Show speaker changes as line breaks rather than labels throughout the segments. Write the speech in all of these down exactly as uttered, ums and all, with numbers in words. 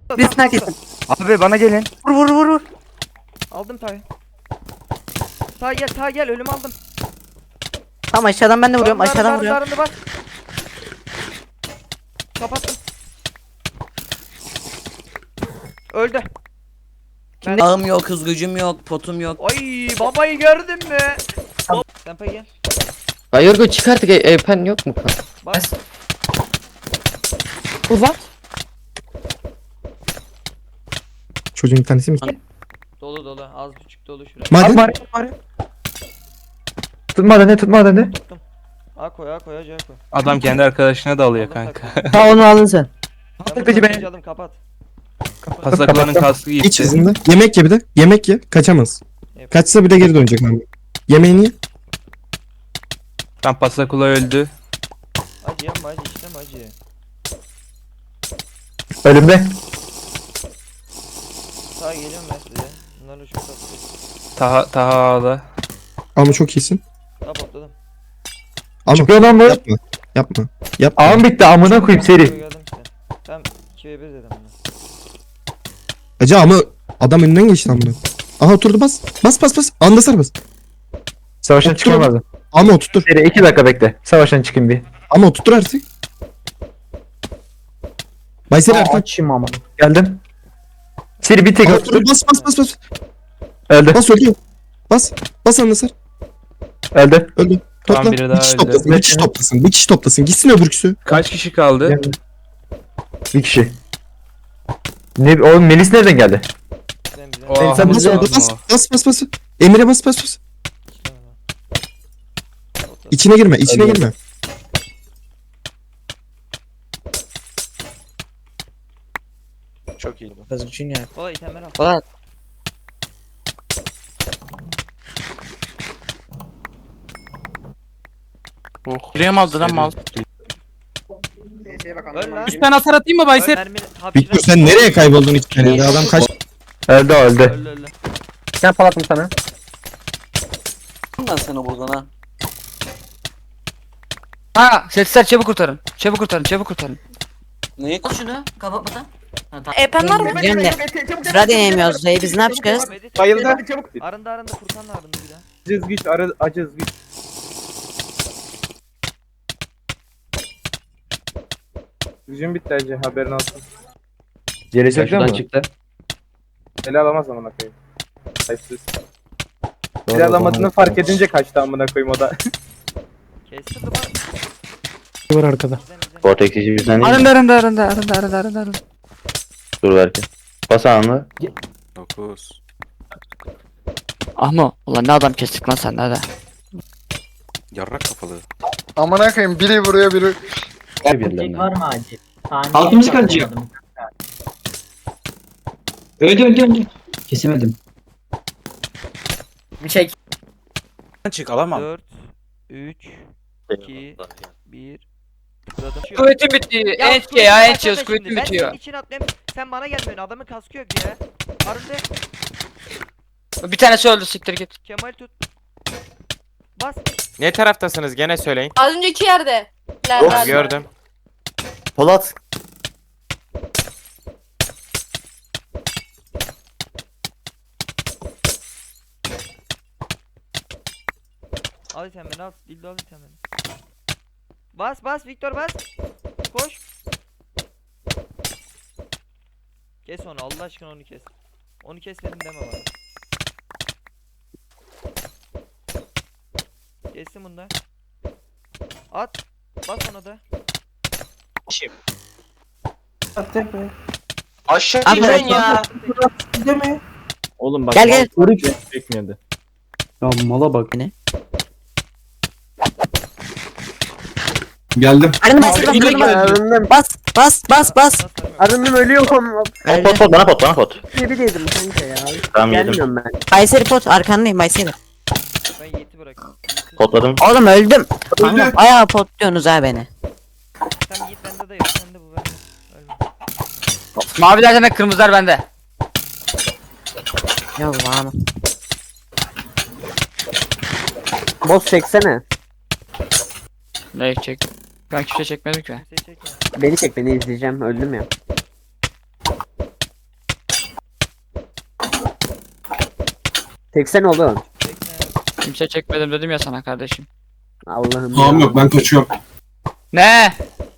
Birisini herkesin.
Abi bana gelin.
Vur vur vur vur.
Aldım Taha'yı. Taha gel, Taha gel, ölüm aldım.
Tamam aşağıdan ben de vuruyorum.
Darın,
Aşağıdan
darın,
vuruyorum.
darın, bas. Kapattım. Öldü. Ben...
Ağım yok, hız gücüm yok, potum yok.
Ay babayı gördün mü? Tempe gel.
Ya Yorgo çık artık, e, e, pen yok mu?
Bas.
Ulan.
Çocuğun bir tanesi mi?
Dolu dolu, az buçuk dolu şuraya.
Maden.
Bari, bari. Tutma dene tutma dene.
Tuttum. A koy, A koy, A koy.
Adam kendi arkadaşına da alıyor
Aldım
kanka.
takımı.
Ha onu aldın sen.
Ben
Aldık
bunu
peki ben.
aldım, kapat.
Pasaklavanın kaskı
İç
gitti.
hızında. Yemek ye bir de. Yemek ye. Kaçamaz.
Yap.
Kaçsa bir de geri dönecek abi. Yemeğini ye.
Tam Pasakula öldü.
Acı yapma, acı işlem acı.
Ölümde.
Taha geliyorum ben size. Bunlarla çok tatlı.
Taha Taha ağda.
Ama çok iyisin.
Taha patladım.
Ama
Çıkıyor lan bu.
yapma. Yapma. Yapma.
Ağım bitti amına koyayım seri.
Geldim size. Tamam, iki ve bir dedim bunu.
Acı ama adam önünden geçti amına. Aha oturdu bas. Bas bas bas. Anda sar bas.
Savaştan
Otur.
çıkamazdım.
Ama oturtur.
Seri iki dakika bekle. Savaştan çıkayım bir.
Ama oturtur artık. Bayseri artık.
Açayım ama. Geldim. Seri bir tek
Aha,
attı.
otur. Bas bas bas bas.
Öldü.
Bas öldü. Bas. Bas anda sar.
Öldü.
Öldü.
Tamam,
Topla.
biri
Bir
daha
kişi
öldü.
toplasın. Bir kişi toplasın. Bir kişi toplasın. Gitsin öbürküsü.
Kaç kişi kaldı?
Geldim. Bir kişi. Ne oğlum Melis nereden geldi?
Sen bize
Oha,
Sen
bu
bas,
lazım
bas,
o.
bas bas bas. Emir'e bas bas bas. İçine girme. içine
Öldü.
girme.
Çok iyi.
Hız gücün yok.
Kolay itemler al.
Ulan.
Oh.
Buraya mı aldın lan mal?
Öl lan.
üç tane hasar atayım mı
Öl
Baysel?
mermini. hapşire-
Victor sen nereye kayboldun iki tane? Adam kaç.
Öldü o, öldü.
Öl öl.
Sen palattım sana.
Ben seni buradan ha.
Ha, sesler çabuk kurtarın. Çabuk kurtarın, çabuk kurtarın.
Neyi koy şunu? Kapatmadan.
Epen var mı? Diyorum de. Sıra deneyemiyoruz. Dayı biz ne yapacağız?
Medit-
Bayıldı.
Arındı arındı, Furkan'la arındı bir daha.
Acız güç, arı, acız güç. Gücün bitti acı, haberin olsun.
Geri çekiyor mu?
çıktı.
Ele alamaz amına koyayım. Sayısız. Ele alamadığını fark edince kaçtı amına koyayım o da.
Kesti duman.
Var arkada.
Bizden bizden.
Vortex'i bizden değil mi?
Arındı, arındı, arındı, arındı, arındı, arındı, arındı.
Dur belki. Bas anlı.
dokuz.
Ahmo, ulan ne adam kestik lan sen, ne de.
Yarrak kafalı.
Amına koyayım biri vuruyor biri.
Var mı acil?
Altımızı kaçıyor. Öldü, öldü, öldü. Kesemedim.
Bir çek.
Çık alamam.
dört, üç, iki, bir. Tıkladım.
Kuvvetim bitiyor.
Ya
Enç
kuvvetin
ya,
başladı
enç yiyoruz,
şimdi.
kuvvetim
Ben
bitiyor.
senin için atlayayım. Sen bana gelmiyorsun. Adamın kaskı yok ya. Arındı.
Bir tanesi öldü, siktir git.
Kemal tut. Bas.
Ne taraftasınız gene söyleyin.
Az önceki yerde.
Gördüm.
Polat.
Al itemini al. Dildo al itemini. Bas bas Victor bas. Koş. Kes onu, Allah aşkına onu kes. Onu kesmedim deme bana. Kestim bunu da. At. Bas ona da.
Aşağı
Abi,
ineceksin ya.
Oğlum bak.
Gel, gel.
Çekmiyordu.
Ya mala bak.
Geldim.
Arındı bas. Bas bas bas bas.
Arındım
ölüyorum.
Pot pot pot bana pot bana pot.
Bir dedim kanka ya.
Tamam yedim.
ben.
Kayseri pot arkandayım Kayseri.
Ben Yiğit'i bırakıyorum. Yiğit'i-
Potladım.
Oğlum öldüm. Kanka bayağı pot diyorsunuz ha beni.
Sen Yiğit bende de yok. Sen de bu bende. Ölme.
Maviler demek, kırmızılar bende.
Ya lan.
Boss çeksene.
Ne çek? Ben kimse çekmedim ki.
Kimseyi çekme.
Beni çek beni izleyeceğim. Öldüm ya. Çeksene oğlum.
Kimse çekmedim dedim ya sana kardeşim.
Allah'ım
Tamam
ya.
yok ben kaçıyorum.
Ne?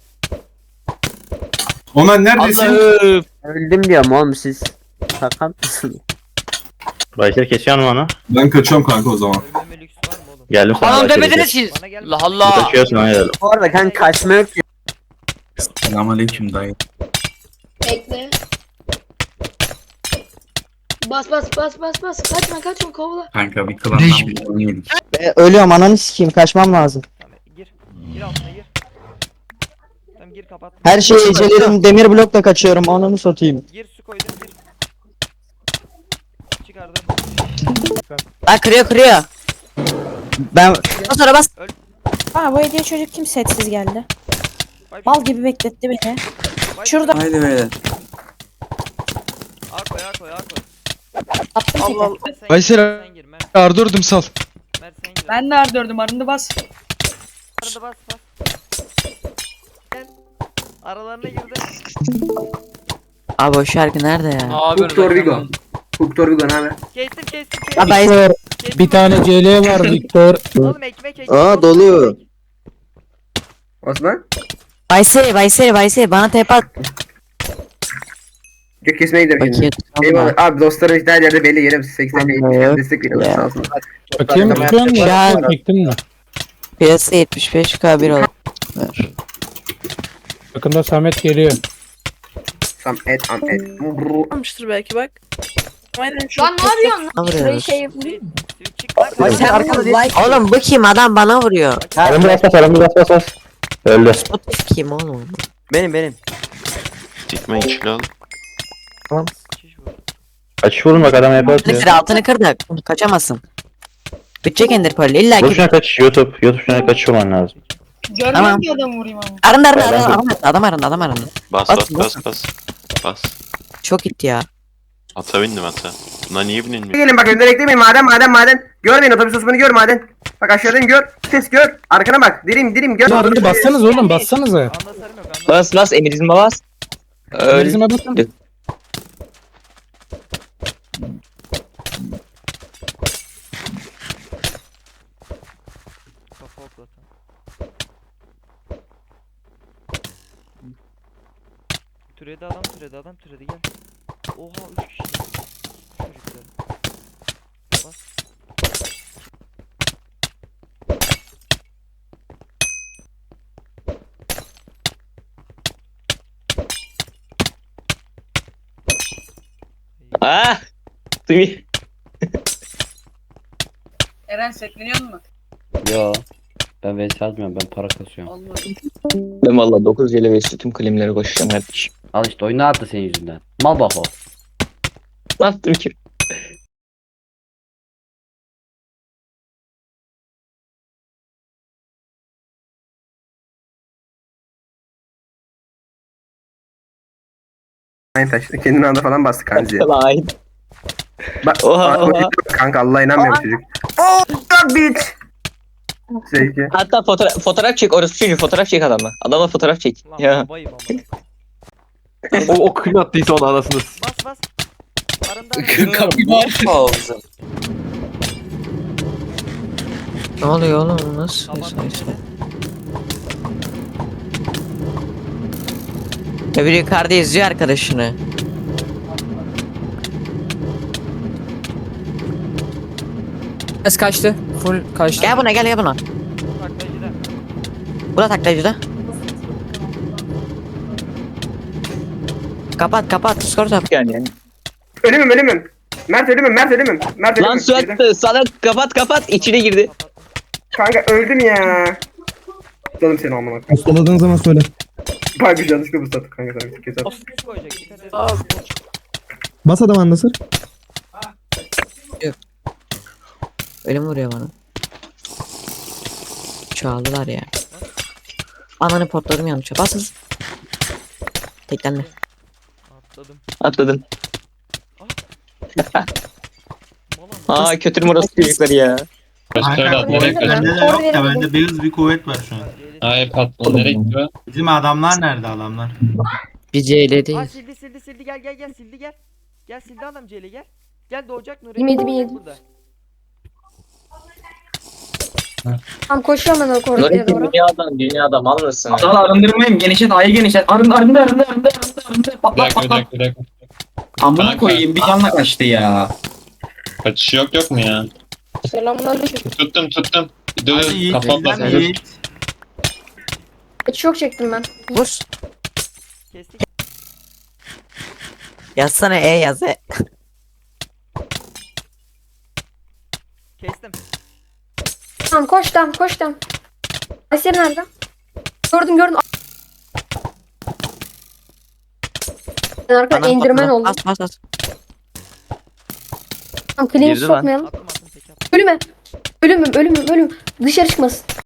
Omen neredesin?
Allah'ım.
Öldüm diyorum oğlum siz. Sakat mısınız?
Bayser kesiyor mu onu?
Ben kaçıyorum kanka o zaman.
Ölmeme lüks var mı oğlum?
Geldim sana.
Anam
Bayser'i
demediniz
kes.
siz.
Bana gel.
Allah Allah.
Kaçıyorsun ona geldim.
Bu arada kanka kaçma yok ki.
Selamünaleyküm dayı.
Bekle. Bas bas bas bas bas. Kaçma kaçma kovala.
Kanka bir klandan bir oyun yedik.
ölüyorum ananı sikeyim kaçmam lazım.
Tamam gir. Gir altına gir. Tamam gir kapat.
Her şeyi ecelerim demir blokla kaçıyorum ananı satayım.
Gir su koydum gir. Çıkardım.
Aa kırıyor kırıyor. Ben sonra bas.
Aa bu hediye çocuk kim setsiz geldi?
Bay-
Mal gibi bekletti beni.
bay-
Şurada
Haydi beyler.
A koy A koy A koy.
attım
Allah
seni.
Allah. Sen
Baysel
gir, sen gir. Mert,
Ardırdım sal.
Mert sen gir.
Ben nerede ördüm arında bas.
Arada bas bas. Gel. Aralarına girdi.
Abi o şarkı nerede ya?
Ne yapıyorsun?
Victor Vigo ne haber?
Kestim kestim kestim.
Ya Bayser.
Kestim.
Bir tane C L var Victor.
Oğlum ekmek ekmek.
Aa,
Oğlum,
dolu.
ekmek.
Osman?
Bayser Bayser Bayser bana tep at.
Gök kesmeye gidiyorum
Bakayım.
Eyvallah. Abi dostlarım işte her yerde belli yerim. seksen
Tamam,
değil.
yok.
Destek veriyorlar
Ya.
sağ olsun.
Bakayım tutuyor musun?
Şu an
Çektin mi?
piyasa yetmiş beş K bir olur.
Yakında Samet geliyor.
Sam et am et.
Almıştır belki bak. Aynen şu. Lan ne yapıyorsun?
Ne vuruyoruz?
Şey yapayım.
Sivil çık lan.
Bayser arkada değil. Oğlum bu kim adam bana vuruyor.
Arımı bas bas arımı bas bas bas. Öldü.
Spotif kim oğlum?
Benim benim.
Dikmeyin kilo al.
Şiş vur.
Kaç vurun bak adam yapar
Altını kır altını kır da kaçamazsın. Bitecek ender pearl illa
Vur
ki.
şuna kaç YouTube. YouTube şuna kaç olman lazım.
Görmüyor
Tamam.
ki adam vurayım ama.
Arındı arındı
Ben-
arındı adam, adam arındı adam arındı.
Bas
Bas,
bas
bas.
bas bas. Bas.
Çok gitti ya.
Ata bindim ata. Buna niye binilmiyor?
Gelin bak önümden eklemeyin maden maden maden. Görmeyin otobüs osmanı gör maden. Bak aşağıdayım gör. Ses gör. Arkana bak. Dirim dirim gör.
Arada bassanız oğlum bassanıza.
Anlasarım yok anlasarım.
Bas bas emirizme bas. Emirizme basın.
Kafa oklatan. Türedi adam türedi adam türedi gel. Oha üç kişi. Çocuklar. Bas.
Ah. Duyuyor.
Eren sekleniyor mu?
Yo. Ben vs atmıyorum ben para kasıyorum. Ben valla dokuz C L ve tüm klimleri koşacağım kardeşim.
Al işte oyunu attı senin yüzünden. Mal bak o.
Ne yaptım ki?
Aynı taştı. Kendini anda falan bastı kanziye.
Lan.
Bak
Oha,
bak,
oha.
kanka Allah'a inanmıyorum çocuk. Oh bitch. Zevki.
Hatta fotoğraf fotoğraf çek orası çocuğu fotoğraf çek adamla. Adamla fotoğraf çek.
Lan
Ya.
babayım amına.
O, o kim attıysa onu anasını.
Bas bas. Arında
Ne oluyor oğlum nasıl?
kapat.
Öbür yukarıda izliyor arkadaşını.
Es kaçtı. Full kaçtı.
Gel buna gel gel buna.
Taklacıda.
Bu da taklacıda. Kapat kapat Discord yap.
Yani.
Ölümüm ölümüm. Mert ölümüm Mert ölümüm. Mert ölümüm.
Lan su attı. Sana kapat kapat içine girdi.
Kanka öldüm ya. Canım seni amına.
Postaladığın zaman söyle.
Bak bir yanlışlıkla bu sattık kanka sana bir kez at.
Bas koyacak. Dikkat et.
Bas adam anlasır.
Ölüm vuruyor bana. Çoğaldılar ya. Ananı potlarım yanlış. Bas hız. Teklenme.
Atladım.
Atladın.
Mola mı?
Aa kötü orası çocukları ya.
Bende de yok ya bende
Beyaz bir kuvvet var şu an.
Hayır patron nereye gidiyor?
Bizim adamlar nerede adamlar?
Bir C L
Aa
değil.
sildi sildi sildi gel gel gel sildi gel. Gel sildi adam Celi gel. Gel doğacak Nuri.
Yemedim, yedim.
Burada.
Tamam koşuyorum ben o koridora doğru.
Dünyadan dünyadan mal mısın?
Adal arındırmayayım. Genişlet A'yı genişlet. Arındı arındı arındı arındı arındı arındı.
Bir
Patlat
dakika bir
patlat.
dakika bir dakika.
Amına
Kanka.
koyayım bir canla kaçtı ya.
Kaçışı yok yok mu ya?
Selamünaleyküm.
Tuttum tuttum. Dur dur kafam basma.
Hiç yok çektim ben.
Vur.
Kestik.
Yazsana E yaz E.
Kestim.
Tamam koş tamam koş tamam. Aysel nerede? Gördüm gördüm. Ben arkada
Bana
indirmen
bak,
oldum.
Bas bas bas.
Tamam clean
Girdi lan.
sokmayalım.
Attım attım peki attım.
Ölüme. Ölümüm ölümüm ölüm. Dışarı çıkmasın.